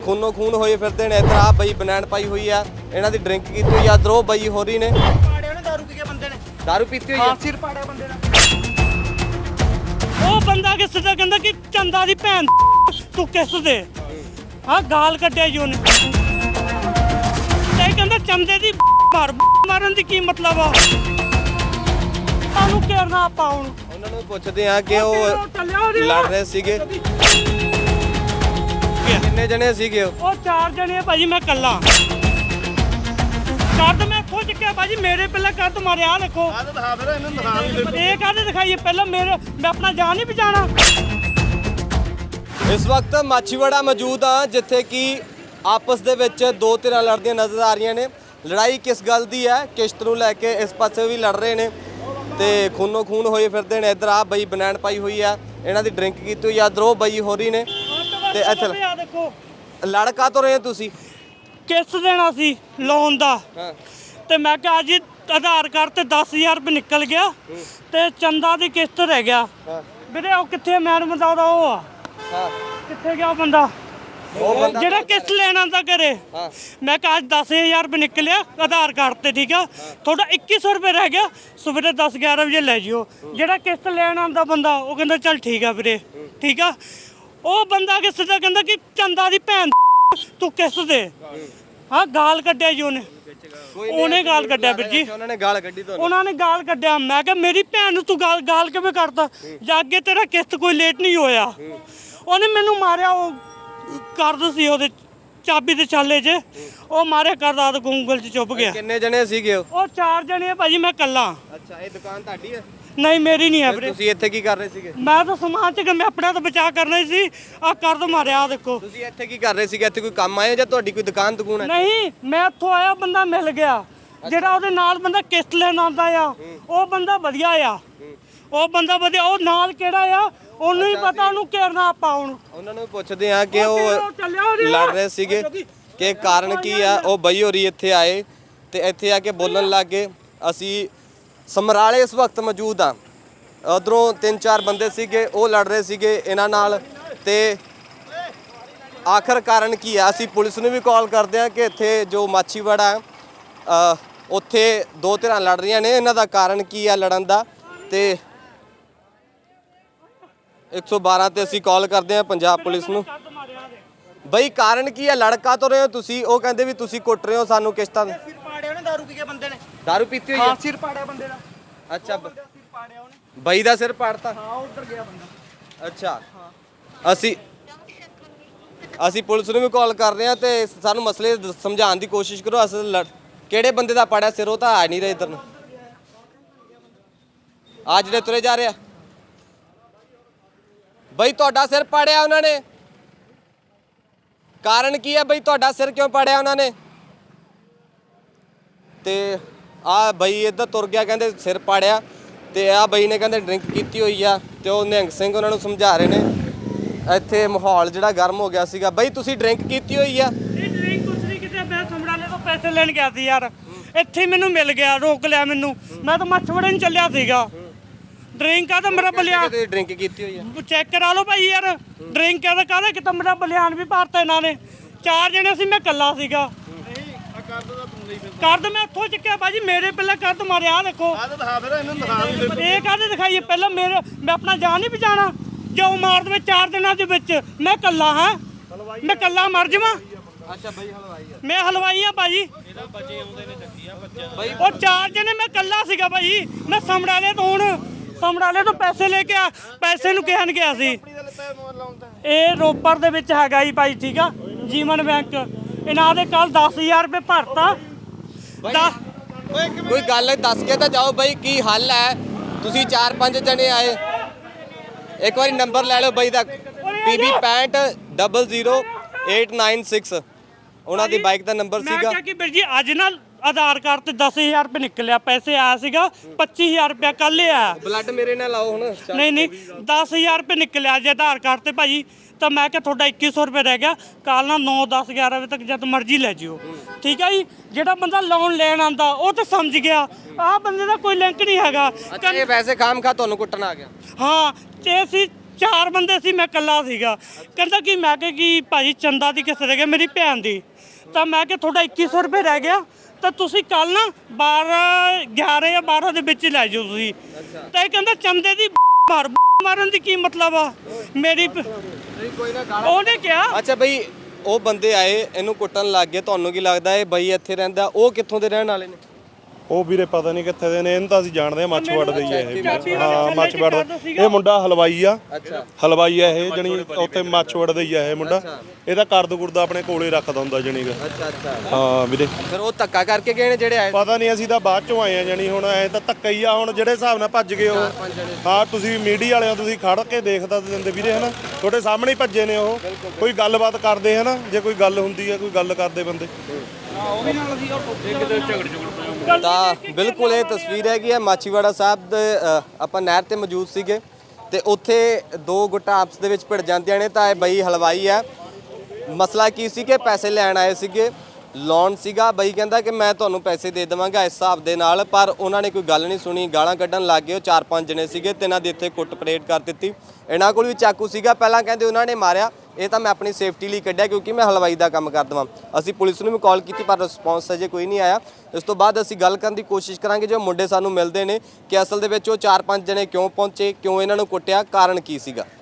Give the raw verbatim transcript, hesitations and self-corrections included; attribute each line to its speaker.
Speaker 1: ਖੂਨੋ ਖੂਨ ਹੋਏ ਫਿਰਦੇ ਨੇ। ਇੱਧਰ ਆ ਬਈ ਬਨੈਣ ਪਾਈ ਹੋਈ ਆ, ਇਹਨਾਂ ਦੀ ਡਰਿੰਕ ਕੀਤੀ ਹੋਈ ਆ। ਇੱਧਰ ਉਹ ਬਈ ਹੋ ਰਹੀ ਨੇ,
Speaker 2: ਪਾੜਿਆ ਨੇ ਦਾਰੂ ਪੀ ਕੇ ਬੰਦੇ ਨੇ,
Speaker 1: ਦਾਰੂ ਪੀਤੀ ਹੋਈ ਆ।
Speaker 2: ਹਾਂ ਸਿਰ ਪਾੜਿਆ ਬੰਦੇ ਦਾ।
Speaker 3: ਉਹ ਬੰਦਾ ਕਿਸ ਦਾ ਕਹਿੰਦਾ ਕਿ ਚੰਦਾ ਦੀ ਭੈਣ ਤੂੰ ਕਿਸ ਦੇ ਹਾਂ ਗਾਲ ਕੱਢਿਆ ਜੀ ਉਹਨੇ। ਤੇ ਕਹਿੰਦਾ ਚੰਦੇ ਦੀ ਮਾਰ ਮਾਰਨ ਦੀ ਕੀ ਮਤਲਬ ਆ? ਤੁਹਾਨੂੰ ਘੇਰਨਾ ਆਪਾਂ ਹੁਣ
Speaker 1: ਉਹਨਾਂ ਨੂੰ ਪੁੱਛਦੇ ਆ ਕਿ ਉਹ ਲੜ ਰਹੇ ਸੀਗੇ, ਕਿੰਨੇ ਜਣੇ ਸੀਗੇ ਉਹ?
Speaker 3: ਉਹ ਚਾਰ ਜਣੇ ਆ ਭਾਜੀ, ਮੈਂ ਕੱਲਾ ਕੱਦ ਮੈਂ ਇੱਥੋਂ ਚੱਕਿਆ ਭਾਜੀ, ਮੇਰੇ ਪਹਿਲਾਂ ਕੱਦ ਮਾਰਿਆ। ਆਹ ਦੇਖੋ
Speaker 2: ਆਹ ਤਾਂ ਦਿਖਾ ਫਿਰ ਇਹਨਾਂ ਨੂੰ ਦਿਖਾ ਵੀ
Speaker 3: ਇਹ ਕਾਹਦੇ ਦਿਖਾਈਏ ਪਹਿਲਾਂ, ਮੇਰੇ ਮੈਂ ਆਪਣਾ ਜਾਨ ਨਹੀਂ ਬਚਾਣਾ।
Speaker 1: ਇਸ ਵਕਤ ਮਾਛੀਵਾੜਾ ਮੌਜੂਦ ਆ, ਜਿੱਥੇ ਕਿ ਆਪਸ ਦੇ ਵਿੱਚ ਦੋ ਧਿਰਾਂ ਲੜਦੀਆਂ ਨਜ਼ਰ ਆ ਰਹੀਆਂ ਨੇ। ਲੜਾਈ ਕਿਸ ਗੱਲ ਦੀ ਹੈ? ਕਿਸ਼ਤ ਨੂੰ ਲੈ ਕੇ ਇਸ ਪਾਸੇ ਵੀ ਲੜ ਰਹੇ ਨੇ ਤੇ ਖੂਨੋ ਖੂਨ ਹੋਏ ਫਿਰਦੇ ਨੇ। ਇੱਧਰ ਆ ਬਈ ਬਨੈਣ ਪਾਈ ਹੋਈ ਆ, ਇਹਨਾਂ ਦੀ ਡਰਿੰਕ ਕੀਤੀ ਹੋਈ ਆ। ਇੱਧਰ ਉਹ ਬਈ ਹੋ ਰਹੀ ਨੇ ਤੇ ਇੱਥੇ
Speaker 3: ਆ ਦੇਖੋ
Speaker 1: ਲੜਕਾ ਤੋਂ ਰਹੇ ਤੁਸੀਂ
Speaker 3: ਕਿਸ਼ਤ ਦੇਣਾ ਸੀ ਲੋਨ ਦਾ,
Speaker 1: ਹਾਂ
Speaker 3: ਤੇ ਮੈਂ ਕਿਹਾ ਜੀ ਆਧਾਰ ਕਾਰਡ ਤੇ ਦਸ ਹਜ਼ਾਰ ਰੁਪਏ ਨਿਕਲ ਗਿਆ ਤੇ ਚੰਦਾ ਦੀ ਕਿਸ਼ਤ ਰਹਿ ਗਿਆ।
Speaker 1: ਹਾਂ
Speaker 3: ਵੀਰੇ ਉਹ ਕਿੱਥੇ ਮੈਡਮ ਦਾ ਉਹਦਾ ਉਹ ਆ,
Speaker 1: ਹਾਂ
Speaker 3: ਕਿੱਥੇ ਗਿਆ ਉਹ ਬੰਦਾ
Speaker 1: ਉਹ ਬੰਦਾ
Speaker 3: ਜਿਹੜਾ ਕਿਸ਼ਤ ਲੈਣ ਆਉਂਦਾ ਘਰੇ?
Speaker 1: ਹਾਂ
Speaker 3: ਮੈਂ ਕਿਹਾ ਅੱਜ ਦਸ ਹਜ਼ਾਰ ਰੁਪਏ ਨਿਕਲਿਆ ਆਧਾਰ ਕਾਰਡ ਤੇ, ਠੀਕ ਆ ਤੁਹਾਡਾ ਇੱਕੀ ਸੌ ਰੁਪਏ ਰਹਿ ਗਿਆ, ਸਵੇਰੇ ਦਸ ਗਿਆਰਾਂ ਵਜੇ ਲੈ ਜਿਓ। ਜਿਹੜਾ ਕਿਸ਼ਤ ਲੈਣ ਆਉਂਦਾ ਬੰਦਾ ਉਹ ਕਹਿੰਦਾ ਚੱਲ ਠੀਕ ਆ ਵੀਰੇ, ਠੀਕ ਆ। ਉਹ ਬੰਦਾ ਕਿਸ ਦਾ ਕਹਿੰਦਾ ਕਿ ਚੰਦਾ ਦੀ ਭੈਣ ਤੂੰ ਕਿਸ ਦੇ ਹਾਂ ਗਾਲ ਕੱਢਿਆ ਜੀ ਉਹਨੇ। ਉਹਨੇ ਗਾਲ ਕੱਢਿਆ ਵੀਰ ਜੀ,
Speaker 1: ਉਹਨਾਂ ਨੇ ਗਾਲ ਕੱਢੀ ਤੁਹਾਨੂੰ?
Speaker 3: ਉਹਨਾਂ ਨੇ ਗਾਲ ਕੱਢਿਆ। ਮੈਂ ਕਿਹਾ ਮੇਰੀ ਭੈਣ ਨੂੰ ਤੂੰ ਗਾਲ ਗਾਲ ਕਿਵੇਂ ਕਰਦਾ? ਜਾ ਅੱਗੇ ਤੇਰਾ ਕਿਸ਼ਤ ਕੋਈ ਲੇਟ ਨਹੀਂ ਹੋਇਆ। ਉਹਨੇ ਮੈਨੂੰ ਮਾਰਿਆ, ਉਹ ਕਰਦ ਸੀ ਉਹਦੇ ਚਾਬੀ ਦੇ ਛਾਲੇ 'ਚ, ਉਹ ਮਾਰਿਆ ਕਰਦਾ ਤੇ ਗੂੰਗਲ 'ਚ ਚੁੱਪ ਗਿਆ।
Speaker 1: ਕਿੰਨੇ ਜਣੇ ਸੀਗੇ ਉਹ?
Speaker 3: ਉਹ ਚਾਰ ਜਣੇ ਆ ਭਾਜੀ, ਮੈਂ ਕੱਲਾ।
Speaker 1: ਅੱਛਾ, ਇਹ ਦੁਕਾਨ ਤੁਹਾਡੀ ਹੈ?
Speaker 3: ਨਹੀਂ ਮੇਰੀ ਨਹੀਂ ਹੈ ਵੀਰੇ।
Speaker 1: ਤੁਸੀਂ ਇੱਥੇ ਕੀ ਕਰ ਰਹੇ ਸੀਗੇ?
Speaker 3: ਮੈਂ ਤਾਂ ਸਮਾਨ ਚ ਮੈਂ ਆਪਣੇ ਤੋਂ ਬਚਾ ਕਰਨਾ ਹੀ ਸੀ। ਆ ਕਰਦ ਮਾਰਿਆ, ਆ ਦੇਖੋ।
Speaker 1: ਤੁਸੀਂ ਇੱਥੇ ਕੀ ਕਰ ਰਹੇ ਸੀਗੇ? ਇੱਥੇ ਕੋਈ ਕੰਮ ਆਏ ਹੋ ਜਾਂ ਤੁਹਾਡੀ ਕੋਈ ਦੁਕਾਨ ਦੁਕਾਨ ਹੈ?
Speaker 3: ਨਹੀਂ, ਮੈਂ ਇੱਥੋਂ ਆਇਆ, ਬੰਦਾ ਮਿਲ ਗਿਆ ਜਿਹੜਾ ਉਹਦੇ ਨਾਲ ਬੰਦਾ ਕਿਸ਼ਤ ਲੈਣ ਆਉਂਦਾ ਆ। ਉਹ ਬੰਦਾ ਵਧੀਆ ਆ, ਉਹ ਬੰਦਾ ਵਧੀਆ। ਉਹ ਨਾਲ ਕਿਹੜਾ ਆ ਉਹਨੂੰ ਹੀ ਪਤਾ, ਉਹਨੂੰ ਘੇਰਨਾ ਆਪਾਂ ਹੁਣ।
Speaker 1: ਉਹਨਾਂ ਨੂੰ ਪੁੱਛਦੇ ਆ ਕਿ ਉਹ ਲੜ ਰਹੇ ਸੀਗੇ ਕਿ ਕਾਰਨ ਕੀ ਆ। ਉਹ ਬਈ ਹੋਰੀ ਇੱਥੇ ਆਏ ਤੇ ਇੱਥੇ ਆ ਕੇ ਬੋਲਣ ਲੱਗ ਗਏ। ਅਸੀਂ ਸਮਰਾਲੇ ਇਸ ਵਕਤ ਮੌਜੂਦ ਆ, ਉਧਰੋਂ ਤਿੰਨ ਚਾਰ ਬੰਦੇ ਸੀਗੇ, ਉਹ ਲੜ ਰਹੇ ਸੀਗੇ ਇਹਨਾਂ ਨਾਲ। ਤੇ ਆਖਰ ਕਾਰਨ ਕੀ ਆ? ਅਸੀਂ ਪੁਲਿਸ ਨੂੰ ਵੀ ਕਾਲ ਕਰਦੇ ਆ ਕਿ ਇੱਥੇ ਜੋ ਮਾਛੀਵਾੜਾ ਉੱਥੇ ਦੋ ਧਿਰਾਂ ਲੜ ਰਹੀਆਂ ਨੇ, ਇਹਨਾਂ ਦਾ ਕਾਰਨ ਕੀ ਆ ਲੜਨ ਦਾ। ਤੇ ਇੱਕ ਸੌ ਬਾਰਾਂ ਤੇ ਅਸੀਂ ਕਾਲ ਕਰਦੇ ਆ ਪੰਜਾਬ ਪੁਲਿਸ ਨੂੰ। ਬਈ ਕਾਰਨ ਕੀ ਆ? ਲੜਕਾ ਤੋਂ ਰਹੇ ਹੋ ਤੁਸੀਂ? ਉਹ ਕਹਿੰਦੇ ਵੀ ਤੁਸੀਂ ਕੁੱਟ ਰਹੇ ਹੋ ਸਾਨੂੰ ਕਿਸ਼ਤਾਂ।
Speaker 2: ਸਿਰ ਪਾੜਿਆ ਨੇ ਦਾਰੂ ਪੀ ਕੇ ਬੰਦੇ ਨੇ,
Speaker 1: ਦਾਰੂ ਪੀਤੀ ਹੋਈ
Speaker 2: ਹਾਂ
Speaker 1: ਆ?
Speaker 2: ਸਿਰ ਪਾੜਿਆ ਬੰਦੇ ਦਾ।
Speaker 1: ਅੱਛਾ,
Speaker 2: ਸਿਰ ਪਾੜਿਆ ਉਹਨੇ,
Speaker 1: ਬਈ ਦਾ ਸਿਰ ਪਾੜਤਾ?
Speaker 2: ਹਾਂ ਉੱਧਰ ਗਿਆ ਬੰਦਾ।
Speaker 1: ਅੱਛਾ, ਅਸੀਂ ਅਸੀਂ ਪੁਲਿਸ ਨੂੰ ਵੀ ਕਾਲ ਕਰ ਰਹੇ ਆ ਤੇ ਸਾਨੂੰ ਮਸਲੇ ਦ- ਸਮਝਾਉਣ ਦੀ ਕੋਸ਼ਿਸ਼ ਕਰੋ। ਅਸਲ ਲੜ ਕਿਹੜੇ ਬੰਦੇ ਦਾ ਪਾੜਿਆ ਸਿਰ? ਉਹ ਤਾਂ ਆ ਨਹੀਂ ਰਹੇ ਇੱਧਰ ਨੂੰ। ਆ ਜਿਹੜੇ ਤੁਰੇ ਜਾ ਰਹੇ ਆ ਬਈ, ਤੁਹਾਡਾ ਸਿਰ ਪਾੜਿਆ ਉਹਨਾਂ ਨੇ? ਕਾਰਨ ਕੀ ਹੈ ਬਈ? ਤੁਹਾਡਾ ਸਿਰ ਕਿਉਂ ਪਾੜਿਆ ਉਹਨਾਂ ਨੇ? ਤੇ ਆ ਬਈ ਇੱਧਰ ਤੁਰ ਗਿਆ, ਕਹਿੰਦੇ ਸਿਰ ਪਾੜਿਆ। ਤੇ ਆ ਬਈ ਨੇ ਕਹਿੰਦੇ ਡਰਿੰਕ ਕੀਤੀ ਹੋਈ ਆ ਤੇ ਉਹ ਨਿਹੰਗ ਸਿੰਘ ਉਹਨਾਂ ਨੂੰ ਸਮਝਾ ਰਹੇ ਨੇ। ਇੱਥੇ ਮਾਹੌਲ ਜਿਹੜਾ ਗਰਮ ਹੋ ਗਿਆ ਸੀਗਾ। ਬਈ ਤੁਸੀਂ ਡਰਿੰਕ ਕੀਤੀ ਹੋਈ ਆ?
Speaker 3: ਇਹ ਡਰਿੰਕ ਕੁਛ ਨਹੀਂ ਕਿਤੇ, ਮੈਂ ਸਮਰਾਲੇ ਤੋਂ ਪੈਸੇ ਲੈਣ ਗਿਆ ਸੀ ਯਾਰ, ਇੱਥੇ ਮੈਨੂੰ ਮਿਲ ਗਿਆ, ਰੋਕ ਲਿਆ ਮੈਨੂੰ। ਮੈਂ ਤਾਂ ਮੱਛਵੜੇ ਨੂੰ ਚੱਲਿਆ ਸੀਗਾ। ਡਰਿੰਕ ਆ ਤਾਂ ਮੇਰਾ ਬਲਿਆਨ
Speaker 1: ਡਰਿੰਕ ਕੀਤੀ ਹੋਈ ਆ?
Speaker 3: ਚੈੱਕ ਕਰਾ ਲਓ ਭਾਈ ਯਾਰ, ਡਰਿੰਕ ਆ ਤਾਂ ਕਾਹਦਾ ਕਿਤਾ, ਮੇਰਾ ਬਲਿਆਨ ਵੀ ਭਰਤਾ ਇਹਨਾਂ ਨੇ। ਚਾਰ ਜਣੇ ਸੀ, ਮੈਂ ਇਕੱਲਾ ਸੀਗਾ। ਕਰਦ ਮੈਂ ਇੱਥੋਂ ਚੱਕਿਆ ਭਾਜੀ, ਮੇਰੇ ਪਹਿਲਾਂ ਕਰਦ ਮਾਰਿਆ। ਆਹ ਦੇਖੋ
Speaker 2: ਆਹ ਤਾਂ ਦਿਖਾ ਫਿਰ ਇਹਨਾਂ ਨੂੰ ਦਿਖਾ ਵੀ
Speaker 3: ਇਹ ਕਾਹਦੇ ਦਿਖਾਈਏ ਪਹਿਲਾਂ, ਮੇਰੇ ਮੈਂ ਆਪਣਾ ਜਾਨ ਨਹੀਂ ਬਚਾਣਾ। ਜੋ ਮਾਰ ਦੇਵੇ ਚਾਰ ਦਿਨਾਂ ਦੇ ਵਿੱਚ, ਮੈਂ ਇਕੱਲਾ ਹਾਂ, ਮੈਂ ਇਕੱਲਾ ਮਰ ਜਾਵਾਂ।
Speaker 1: ਅੱਛਾ ਬਈ ਹਲਵਾਈ ਆ?
Speaker 3: ਮੈਂ ਹਲਵਾਈ ਆ ਭਾਜੀ।
Speaker 1: ਬਈ
Speaker 3: ਉਹ ਚਾਰ ਜਣੇ, ਮੈਂ ਇਕੱਲਾ ਸੀਗਾ ਭਾਜੀ। ਮੈਂ ਸਮਰਾਲੇ ਤੋਂ ਹੁਣ ਸਮਰਾਲੇ ਤੋਂ ਪੈਸੇ ਲੈ ਕੇ ਆ, ਪੈਸੇ ਨੂੰ ਕਹਿਣ ਗਿਆ ਸੀ। ਇਹ ਰੋਪੜ ਦੇ ਵਿੱਚ ਹੈਗਾ ਜੀ ਭਾਈ, ਠੀਕ ਆ, ਜੀਵਨ ਬੈਂਕ। ਇਹਨਾਂ ਦੇ ਕੱਲ ਦਸ ਹਜ਼ਾਰ ਰੁਪਏ ਭਰਤਾ।
Speaker 1: ਕੋਈ ਗੱਲ ਦੱਸ ਕੇ ਤਾਂ ਜਾਓ ਬਈ, ਕੀ ਹੱਲ ਹੈ? ਤੁਸੀਂ ਚਾਰ ਪੰਜ ਜਣੇ ਆਏ, ਇੱਕ ਵਾਰੀ ਨੰਬਰ ਲੈ ਲਓ ਬਈ ਦਾ, ਪੀ ਬੀ ਪੈਂਟ double zero eight nine six ਉਹਨਾਂ ਦੀ ਬਾਈਕ ਦਾ ਨੰਬਰ
Speaker 3: ਮੈਂ
Speaker 1: ਸੀਗਾ।
Speaker 3: ਕਿਹਾ ਕਿ ਵੀਰ ਜੀ ਅੱਜ ਨਾ ਆਧਾਰ ਕਾਰਡ ਤੇ ਦਸ ਹਜ਼ਾਰ ਰੁਪਏ ਨਿਕਲਿਆ, ਪੈਸੇ ਆਇਆ ਸੀਗਾ ਪੱਚੀ ਹਜ਼ਾਰ ਰੁਪਏ ਕੱਲ ਆਇਆ।
Speaker 1: ਬਲੱਡ ਮੇਰੇ ਨਾਲ ਲਾਓ ਹੁਣ।
Speaker 3: ਨਹੀਂ ਨਹੀਂ ਦਸ ਹਜ਼ਾਰ ਰੁਪਏ ਨਿਕਲਿਆ ਅੱਜ ਆਧਾਰ ਕਾਰਡ ਤੇ ਭਾਜੀ। ਤਾਂ ਮੈਂ ਕਿਹਾ ਤੁਹਾਡਾ ਇੱਕੀ ਸੌ ਰੁਪਏ ਰਹਿ ਗਿਆ, ਕੱਲ ਨਾ ਨੌ ਦਸ ਗਿਆਰਾਂ ਵਜੇ ਤੱਕ ਜਦ ਮਰਜ਼ੀ ਲੈ ਜਿਓ, ਠੀਕ ਹੈ ਜੀ। ਜਿਹੜਾ ਬੰਦਾ ਲੋਨ ਲੈਣ ਆਂਦਾ ਉਹ ਤਾਂ ਸਮਝ ਗਿਆ, ਆਹ ਬੰਦੇ ਦਾ ਕੋਈ ਲਿੰਕ ਨਹੀਂ ਹੈਗਾ।
Speaker 1: ਅੱਛਾ, ਇਹ ਵੈਸੇ ਖਾਮ ਖਾ ਤੁਹਾਨੂੰ ਕੁੱਟਣ ਆ ਗਿਆ?
Speaker 3: ਹਾਂ, ਤੇ ਅਸੀਂ ਚਾਰ ਬੰਦੇ ਸੀ, ਮੈਂ ਇਕੱਲਾ ਸੀਗਾ। ਕਹਿੰਦਾ ਕਿ ਮੈਂ ਕਿਹਾ ਕਿ ਭਾਜੀ ਚੰਦਾ ਦੀ ਕਿਸੇ ਰਹਿ ਗਿਆ, ਮੇਰੀ ਭੈਣ ਦੀ। ਤਾਂ ਮੈਂ ਕਿਹਾ ਤੁਹਾਡਾ ਇੱਕੀ ਸੌ ਰੁਪਏ ਰਹਿ ਗਿਆ, ਤਾਂ ਤੁਸੀਂ ਕੱਲ ਨਾ ਬਾਰਾਂ ਗਿਆਰਾਂ ਜਾਂ ਬਾਰਾਂ ਦੇ ਵਿੱਚ ਹੀ ਲੈ ਜਾਓ ਤੁਸੀਂ। ਤਾਂ ਇਹ ਕਹਿੰਦਾ ਚੰਦੇ ਦੀ ਮਾਰ ਮਾਰਨ ਦੀ ਕੀ ਮਤਲਬ ਆ ਮੇਰੀ ਉਹਨੇ ਕਿਹਾ।
Speaker 1: ਅੱਛਾ ਬਈ, ਉਹ ਬੰਦੇ ਆਏ ਇਹਨੂੰ ਕੁੱਟਣ ਲੱਗ ਗਏ, ਤੁਹਾਨੂੰ ਕੀ ਲੱਗਦਾ ਇਹ ਬਈ ਇੱਥੇ ਰਹਿੰਦਾ, ਉਹ ਕਿੱਥੋਂ ਦੇ ਰਹਿਣ ਵਾਲੇ ਨੇ?
Speaker 4: ਉਹ ਵੀਰੇ ਪਤਾ ਨਹੀਂ ਕਿੱਥੇ ਦੇ ਨੇ, ਇਹਨੂੰ ਤਾਂ ਅਸੀਂ ਜਾਣਦੇ ਆ ਮੱਛਵੜ ਦੇ ਹੀ ਆ ਇਹ।
Speaker 3: ਚਾਬੀ ਵਾਲੇ
Speaker 4: ਹਾਂ
Speaker 3: ਥੱਲੇ
Speaker 4: ਮੱਛਵੜ
Speaker 3: ਟਿਕਾ
Speaker 4: ਦਾ
Speaker 3: ਦਿੱਤਾ ਸੀਗਾ।
Speaker 4: ਇਹ ਮੁੰਡਾ ਹਲਵਾਈ ਆ।
Speaker 1: ਅੱਛਾ
Speaker 4: ਹਲਵਾਈ ਆ ਇਹ, ਜਣੀ ਉੱਥੇ ਮੱਛਵੜ ਦਾ ਹੀ ਆ ਇਹ ਮੁੰਡਾ। ਇਹਦਾ ਕਰਦ ਕੁਰਦਾ ਆਪਣੇ ਕੋਲੇ ਰੱਖਦਾ ਹੁੰਦਾ ਜਣੀ ਦਾ।
Speaker 1: ਅੱਛਾ ਅੱਛਾ
Speaker 4: ਹਾਂ ਵੀਰੇ,
Speaker 1: ਫਿਰ ਉਹ ਧੱਕਾ ਕਰਕੇ ਗਏ ਨੇ ਜਿਹੜੇ ਆਏ?
Speaker 4: ਪਤਾ ਨਹੀਂ, ਅਸੀਂ ਤਾਂ ਬਾਅਦ ਚੋਂ ਆਏ ਆ ਜਣੀ। ਹੁਣ ਐ ਤਾਂ ਧੱਕਾ ਹੀ ਆ ਹੁਣ, ਜਿਹੜੇ ਹਿਸਾਬ ਨਾਲ ਭੱਜ ਗਏ ਉਹ। ਹਾਂ ਤੁਸੀਂ ਮੀਡੀਆ ਵਾਲਿਆਂ ਤੁਸੀਂ ਖੜ ਕੇ ਦੇਖਦਾ ਦਿੰਦੇ ਵੀਰੇ ਹਨਾ, ਤੁਹਾਡੇ ਸਾਹਮਣੇ ਹੀ ਭੱਜੇ ਨੇ ਉਹ। ਕੋਈ ਗੱਲਬਾਤ ਕਰਦੇ ਹਨਾ, ਜੇ ਕੋਈ ਗੱਲ ਹੁੰਦੀ ਹੈ ਕੋਈ ਗੱਲ ਕਰਦੇ ਬੰਦੇ।
Speaker 1: ਤਾਂ ਬਿਲਕੁਲ ਇਹ ਤਸਵੀਰ ਹੈਗੀ ਹੈ ਮਾਛੀਵਾੜਾ ਸਾਹਿਬ ਦੇ। ਅ, ਆਪਾਂ ਨਹਿਰ ਤੇ ਮੌਜੂਦ ਸੀਗੇ ਤੇ ਉੱਥੇ ਦੋ ਗੁੱਟਾਂ ਆਪਸ ਦੇ ਵਿੱਚ ਭਿੜ ਜਾਂਦੀਆਂ ਨੇ। ਤਾਂ ਇਹ ਬਈ ਹਲਵਾਈ ਹੈ। ਮਸਲਾ ਕੀ ਸੀ ਕਿ ਪੈਸੇ ਲੈਣ ਆਏ ਸੀਗੇ, ਲੋਨ ਸੀਗਾ। ਬਈ ਕਹਿੰਦਾ ਕਿ ਮੈਂ ਤੁਹਾਨੂੰ ਪੈਸੇ ਦੇ ਦੇਵਾਂਗਾ ਇਸ ਹਿਸਾਬ ਦੇ ਨਾਲ, ਪਰ ਉਹਨਾਂ ਨੇ ਕੋਈ ਗੱਲ ਨਹੀਂ ਸੁਣੀ, ਗਾਲਾਂ ਕੱਢਣ ਲੱਗ ਗਏ। ਉਹ ਚਾਰ ਪੰਜ ਜਣੇ ਸੀਗੇ ਤੇ ਇਹਨਾਂ ਦੇ ਇੱਥੇ ਕੁੱਟ ਪਰੇਡ ਕਰ ਦਿੱਤੀ। ਇਹਨਾਂ ਕੋਲ ਵੀ ਚਾਕੂ ਸੀਗਾ। ਪਹਿਲਾਂ ਕਹਿੰਦੇ ਉਹਨਾਂ ਨੇ ਮਾਰਿਆ, ਇਹ ਤਾਂ ਮੈਂ ਆਪਣੀ ਸੇਫਟੀ ਲਈ ਕੱਢਿਆ ਕਿਉਂਕਿ ਮੈਂ ਹਲਵਾਈ ਦਾ ਕੰਮ ਕਰਦਾ ਹਾਂ। ਅਸੀਂ ਪੁਲਿਸ ਨੂੰ ਵੀ ਕਾਲ ਕੀਤੀ ਪਰ ਰਿਸਪੌਂਸ ਅਜੇ ਕੋਈ ਨਹੀਂ ਆਇਆ। ਇਸ ਤੋਂ ਬਾਅਦ ਅਸੀਂ ਗੱਲ ਕਰਨ ਦੀ ਕੋਸ਼ਿਸ਼ ਕਰਾਂਗੇ ਜੋ ਮੁੰਡੇ ਸਾਨੂੰ ਮਿਲਦੇ ਨੇ ਕਿ ਅਸਲ ਦੇ ਵਿੱਚ ਉਹ ਚਾਰ ਪੰਜ ਜਣੇ ਕਿਉਂ ਪਹੁੰਚੇ, ਕਿਉਂ ਇਹਨਾਂ ਨੂੰ ਕੁੱਟਿਆ, ਕਾਰਨ ਕੀ ਸੀਗਾ।